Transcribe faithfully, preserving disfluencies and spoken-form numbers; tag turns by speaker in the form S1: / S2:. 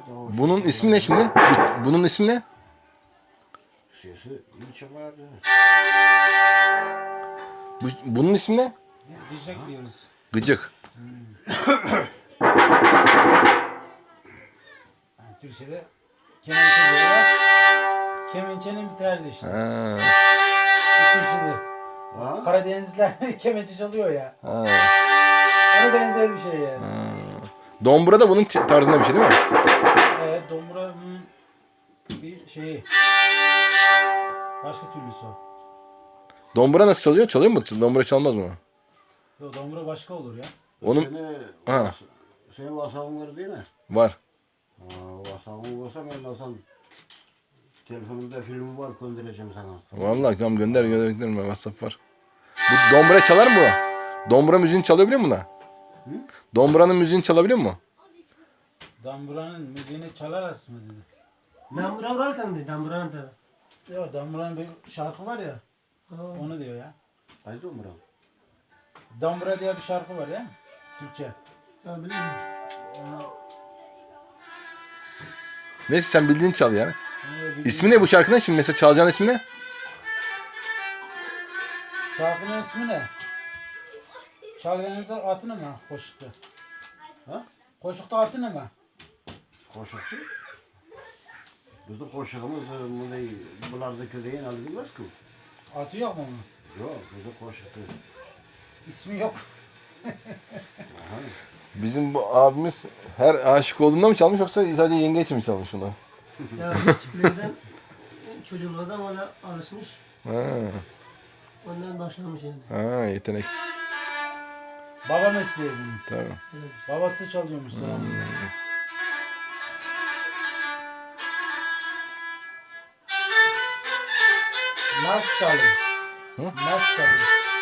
S1: Bunun ismi ne şimdi? Bunun ismi ne?
S2: Sesi iyi çıkardı.
S1: Bu, bunun ismi ne?
S3: Biz gıcık diyoruz.
S1: Gıcık.
S3: Yani Türkçe'de kemençe diyorlar. Kemençenin bir terzi işte.
S1: Ha.
S3: Üç işidir.
S2: Ha?
S3: Karadenizliler kemençe çalıyor ya.
S1: Ha.
S3: Ona benzer bir şey yani.
S1: Ha. Dombra da bunun tarzında bir şey değil mi?
S3: Evet, domburanın bir şeyi. Başka türlüsü o.
S1: Dombra nasıl çalıyor? Çalıyor mu? Dombra çalmaz mı?
S3: Yo, dombura başka olur ya.
S1: Onun
S2: Seni,
S1: ha.
S2: Senin WhatsApp'ın var değil mi?
S1: Var.
S2: Aa, WhatsApp'ın olsa ben olsam telefonumda filmi var göndereceğim sana.
S1: Vallahi tamam gönder gönder gönder WhatsApp var. Bu dombra çalar mı bu? Dombra müziğini çalabiliyor mu buna? Dombra'nın müziğini çalabiliyor mu?
S3: Damburanın müziğini çalar aslında dedi.
S4: Dambura vurarsan dedi, damburanın tabi.
S3: Yo, Dambura'nın bir şarkı var ya. Onu diyor ya.
S2: Haydi Umra.
S3: Dambura diye bir şarkı var ya. Türkçe.
S4: Ya biliyor musun?
S1: Neyse sen bildiğini çal yani.
S3: Onu bildiğin-
S1: İsmi ne bu şarkının? Şimdi mesela çalacağın ismi ne?
S3: Şarkının ismi ne? Çalganınıza atını mı koşukta?
S2: Ha?
S3: Koşukta atını mı?
S2: Koşukçu. Bizim koşuğumuz bunu bularda ködeyin alınmaz ki.
S3: Atı yok mu onun?
S2: Yok, bizim koşuktu.
S3: İsmi yok.
S1: Bizim bu abimiz her aşık olduğunda mı çalmış yoksa sadece yenge için mi çalmış bunu?
S4: Ya küçüklerden, çocuklardan ona alışmış.
S1: Ha,
S4: Ondan başlamış yani.
S1: ha yetenek.
S3: Baba mesleği bunun.
S1: Tamam.
S3: Babası çalıyormuş sana. Nasıl çalıyor?
S1: Hı?
S3: Nasıl çalıyor?